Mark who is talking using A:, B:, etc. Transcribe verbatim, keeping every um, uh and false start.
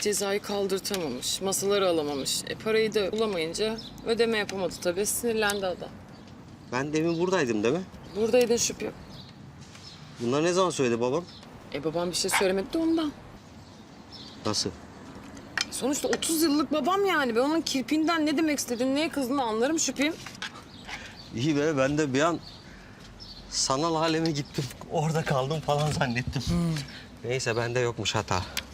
A: cezayı kaldırtamamış, masaları alamamış. E parayı da bulamayınca ödeme yapamadı tabii. Sinirlendi adam.
B: Ben demin buradaydım değil mi?
A: Buradaydın şüphem.
B: Bunlar ne zaman söyledi babam?
A: E babam bir şey söylemedi de ondan.
B: Nasıl?
A: Sonuçta otuz yıllık babam yani. Ben onun kirpinden ne demek istediğini, neye kızdığını anlarım şüphem.
B: İyi be, ben de bir an sanal aleme gittim. Orada kaldım falan zannettim. Neyse, bende yokmuş hata.